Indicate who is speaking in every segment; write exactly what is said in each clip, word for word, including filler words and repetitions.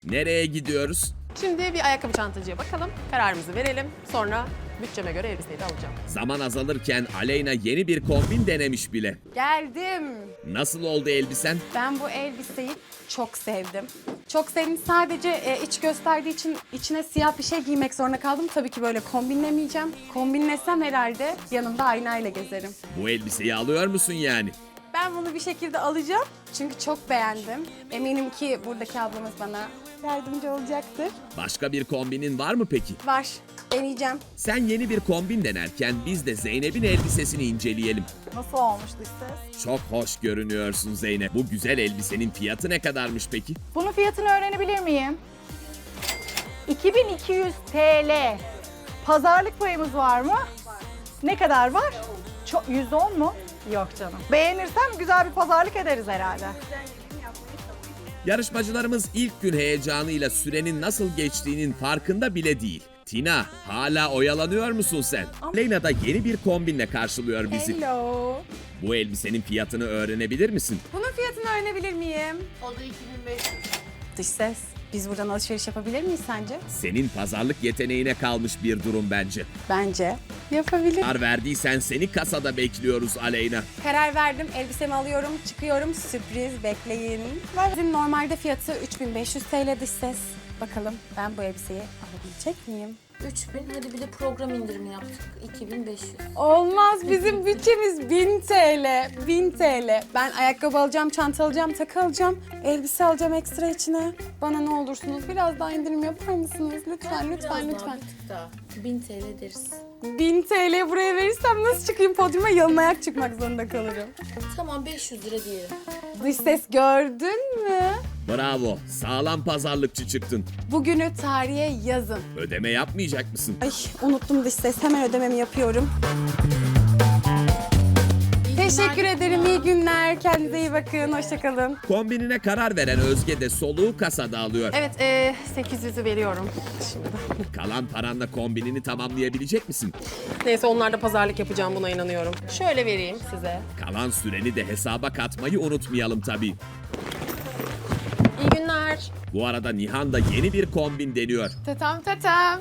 Speaker 1: Nereye gidiyoruz?
Speaker 2: Şimdi bir ayakkabı çantacıya bakalım. Kararımızı verelim. Sonra bütçeme göre elbiseyi de alacağım.
Speaker 1: Zaman azalırken Aleyna yeni bir kombin denemiş bile.
Speaker 2: Geldim.
Speaker 1: Nasıl oldu elbisen?
Speaker 2: Ben bu elbiseyi çok sevdim. Çok sevdim. Sadece e, iç gösterdiği için içine siyah bir şey giymek zorunda kaldım. Tabii ki böyle kombinlemeyeceğim. Kombinlesem herhalde yanımda aynayla gezerim.
Speaker 1: Bu elbiseyi alıyor musun yani?
Speaker 2: Ben bunu bir şekilde alacağım. Çünkü çok beğendim. Eminim ki buradaki ablamız bana yardımcı olacaktır.
Speaker 1: Başka bir kombinin var mı peki?
Speaker 2: Var. Deneyeceğim.
Speaker 1: Sen yeni bir kombin denerken biz de Zeynep'in elbisesini inceleyelim.
Speaker 3: Nasıl olmuştu ses?
Speaker 1: Çok hoş görünüyorsun Zeynep. Bu güzel elbisenin fiyatı ne kadarmış peki?
Speaker 3: Bunun fiyatını öğrenebilir miyim? iki bin iki yüz T L. Pazarlık payımız var mı? Var. Ne kadar var? Çok, yüzde on mu? Yok canım. Beğenirsem güzel bir pazarlık ederiz herhalde.
Speaker 1: Yarışmacılarımız ilk gün heyecanıyla sürenin nasıl geçtiğinin farkında bile değil. Tina, hala oyalanıyor musun sen? Aleyna da yeni bir kombinle karşılıyor bizi.
Speaker 2: Hello.
Speaker 1: Bu elbisenin fiyatını öğrenebilir misin?
Speaker 2: Bunun fiyatını öğrenebilir miyim?
Speaker 4: O da iki bin beş yüz.
Speaker 2: Dış ses. Biz buradan alışveriş yapabilir miyiz sence?
Speaker 1: Senin pazarlık yeteneğine kalmış bir durum bence.
Speaker 2: Bence. Yapabilir.
Speaker 1: Karar verdiysen seni kasada bekliyoruz Aleyna.
Speaker 2: Karar verdim. Elbisemi alıyorum. Çıkıyorum. Sürpriz. Bekleyin. Bizim normalde fiyatı üç bin beş yüz T L dış ses. Bakalım ben bu elbiseyi alabilecek miyim?
Speaker 4: üç bin, hadi bir de program indirimi yaptık. iki bin beş yüz.
Speaker 2: Olmaz. Bizim bütçemiz bin T L. bin T L. Ben ayakkabı alacağım, çanta alacağım, takı alacağım. Elbise alacağım ekstra içine. Bana ne olursunuz biraz daha indirim yapar mısınız? Lütfen, lütfen,
Speaker 4: Biraz
Speaker 2: lütfen.
Speaker 4: daha, bir tık daha. bin T L deriz.
Speaker 2: bin T L buraya verirsem nasıl çıkayım podyuma? Yalın ayak çıkmak zorunda kalırım.
Speaker 4: Tamam, beş yüz lira diyelim.
Speaker 2: Dış ses gördün mü?
Speaker 1: Bravo, sağlam pazarlıkçı çıktın.
Speaker 2: Bugünü tarihe yazın.
Speaker 1: Ödeme yapmayacak mısın?
Speaker 2: Ay unuttum dış ses. Hemen ödememi yapıyorum. Teşekkür ederim. İyi günler. Kendinize iyi bakın. Hoşçakalın.
Speaker 1: Kombinine karar veren Özge de soluğu kasada alıyor.
Speaker 2: Evet, e, sekiz yüzü veriyorum. Şimdi.
Speaker 1: Kalan paranla kombinini tamamlayabilecek misin?
Speaker 2: Neyse onlarda pazarlık yapacağım buna inanıyorum. Şöyle vereyim size.
Speaker 1: Kalan süreni de hesaba katmayı unutmayalım tabii.
Speaker 2: İyi günler.
Speaker 1: Bu arada Nihan da yeni bir kombin deniyor.
Speaker 5: Tetem tetem.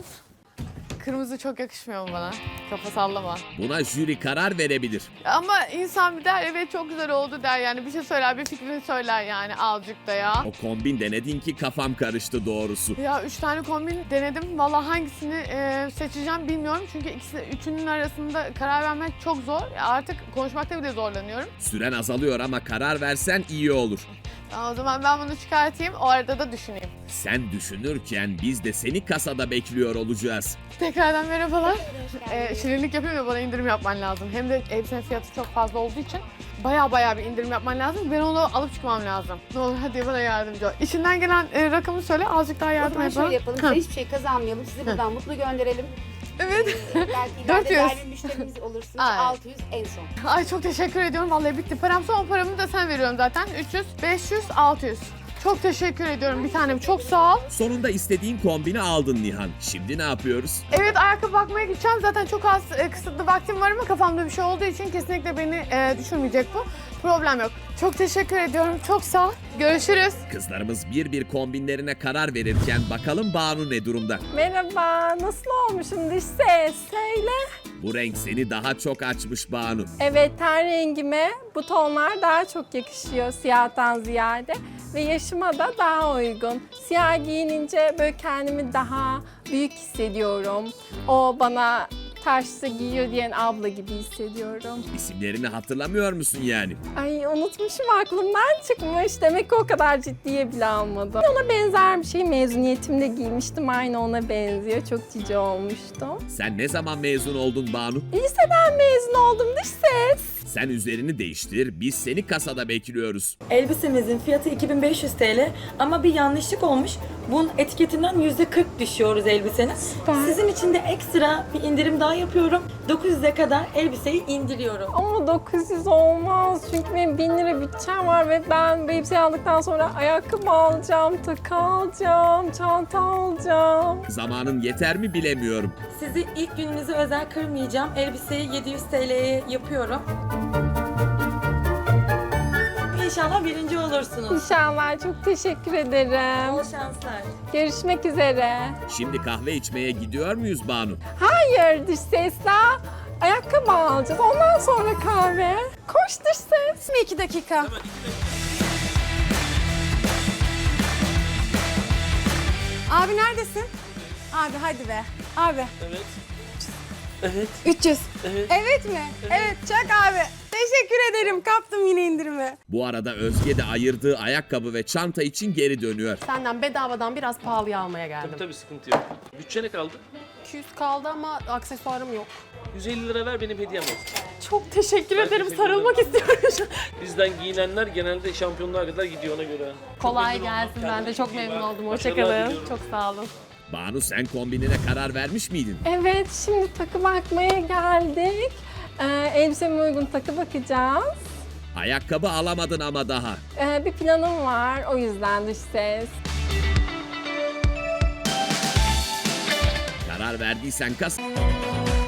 Speaker 5: Kırmızı çok yakışmıyor mu bana? Kafa sallama.
Speaker 1: Buna jüri karar verebilir.
Speaker 5: Ama insan bir der evet çok güzel oldu der yani. Bir şey söyler, bir fikrini söyler yani azıcık da ya.
Speaker 1: O kombin denedin ki kafam karıştı doğrusu.
Speaker 5: Ya üç tane kombin denedim. Vallahi hangisini e, seçeceğim bilmiyorum. Çünkü ikisi, üçünün arasında karar vermek çok zor. Ya artık konuşmakta bile zorlanıyorum.
Speaker 1: Süren azalıyor ama karar versen iyi olur.
Speaker 5: Ya o zaman ben bunu çıkartayım. O arada da düşüneyim.
Speaker 1: Sen düşünürken biz de seni kasada bekliyor olacağız.
Speaker 5: Tekrardan merhabalar. Ee, şirinlik yapayım ya bana indirim yapman lazım. Hem de elbisenin fiyatı çok fazla olduğu için baya baya bir indirim yapman lazım. Ben onu alıp çıkmam lazım. Ne olur hadi bana yardımcı ol. İçinden gelen e, rakamı söyle azıcık daha
Speaker 6: O
Speaker 5: yardım
Speaker 6: zaman
Speaker 5: et bana.
Speaker 6: şöyle yapalım,
Speaker 5: Ha,
Speaker 6: size hiçbir şey kazanmayalım, sizi buradan mutlu gönderelim.
Speaker 5: Evet.
Speaker 6: Ee, belki
Speaker 5: dört
Speaker 6: ileride
Speaker 5: yüz.
Speaker 6: değerli müşterimiz olursunuz,
Speaker 5: Ay.
Speaker 6: altı yüz en son.
Speaker 5: Ay çok teşekkür ediyorum. Vallahi bitti. Param son paramı da sen veriyorum zaten. üç yüz, beş yüz, altı yüz. Çok teşekkür ediyorum bir tanem. Çok sağ ol.
Speaker 1: Sonunda istediğin kombini aldın Nihan. Şimdi ne yapıyoruz?
Speaker 5: Evet ayakkabı bakmaya gideceğim. Zaten çok az e, kısıtlı vaktim var ama kafamda bir şey olduğu için kesinlikle beni e, düşürmeyecek bu. Problem yok. Çok teşekkür ediyorum. Çok sağ ol. Görüşürüz.
Speaker 1: Kızlarımız bir bir kombinlerine karar verirken bakalım Banu ne durumda?
Speaker 3: Merhaba, nasıl olmuşum dış ses? Söyle.
Speaker 1: Bu renk seni daha çok açmış Banu.
Speaker 7: Evet, ten rengime bu tonlar daha çok yakışıyor siyahtan ziyade ve yaşıma da daha uygun. Siyah giyinince böyle kendimi daha büyük hissediyorum. O bana taşlı giyiyor diyen abla gibi hissediyorum.
Speaker 1: İsimlerini hatırlamıyor musun yani?
Speaker 7: Ay unutmuşum, aklımdan çıkmış. Demek ki o kadar ciddiye bile almadım. Ona benzer bir şey mezuniyetimde giymiştim. Aynı ona benziyor. Çok cici olmuştum.
Speaker 1: Sen ne zaman mezun oldun Banu?
Speaker 7: Liseden mezun oldum dış ses.
Speaker 1: Sen üzerini değiştir, biz seni kasada bekliyoruz.
Speaker 8: Elbisemizin fiyatı iki bin beş yüz T L ama bir yanlışlık olmuş. Bunun etiketinden yüzde kırk düşüyoruz elbisenin. Sizin için de ekstra bir indirim daha yapıyorum. dokuz yüze kadar elbiseyi indiriyorum.
Speaker 7: Ama dokuz yüz olmaz çünkü benim bin lira bütçem var ve ben bu elbiseyi aldıktan sonra ayakkabı alacağım, takı alacağım, çanta alacağım.
Speaker 1: Zamanın yeter mi bilemiyorum.
Speaker 8: Sizi ilk gününüze özel kırmayacağım. Elbiseyi yedi yüz T L'ye yapıyorum. İnşallah birinci olursunuz.
Speaker 7: İnşallah, çok teşekkür ederim.
Speaker 8: Bol şanslar.
Speaker 7: Görüşmek üzere.
Speaker 1: Şimdi kahve içmeye gidiyor muyuz Banu?
Speaker 7: Hayır dış ses, daha ayakkabı alacağız. Ondan sonra kahve. Koş dış ses.
Speaker 2: Bir iki dakika. Abi neredesin? Abi hadi be. Abi.
Speaker 9: Evet. Evet.
Speaker 2: üç yüz.
Speaker 9: Evet.
Speaker 2: Evet mi? Evet. Çak abi. Teşekkür ederim. Kaptım yine indirimi.
Speaker 1: Bu arada Özge de ayırdığı ayakkabı ve çanta için geri dönüyor.
Speaker 10: Senden bedavadan biraz pahalıya almaya geldim.
Speaker 9: Tabii tabii sıkıntı yok. Bütçe ne kaldı?
Speaker 10: iki yüz kaldı ama aksesuarım yok.
Speaker 9: yüz elli lira ver benim hediyem olsun.
Speaker 10: Çok teşekkür
Speaker 9: Ben
Speaker 10: ederim.
Speaker 9: teşekkür
Speaker 10: Sarılmak
Speaker 9: ederim.
Speaker 10: istiyorum.
Speaker 9: Bizden giyinenler genelde şampiyonluğa kadar gidiyor ona göre.
Speaker 10: Kolay
Speaker 9: Çok memnun oldum.
Speaker 10: gelsin. Ben de
Speaker 9: Kendine
Speaker 10: çok
Speaker 9: iyi
Speaker 10: memnun
Speaker 9: bak.
Speaker 10: oldum.
Speaker 9: Başarılar
Speaker 10: Hoşçakalın.
Speaker 9: diliyorum.
Speaker 10: Çok sağ olun.
Speaker 1: Banu sen kombinine karar vermiş miydin?
Speaker 7: Evet, şimdi takı bakmaya geldik. Ee, elbiseme uygun takı bakacağız.
Speaker 1: Ayakkabı alamadın ama daha.
Speaker 7: Ee, bir planım var, o yüzden dış ses.
Speaker 1: Karar verdiysen kas...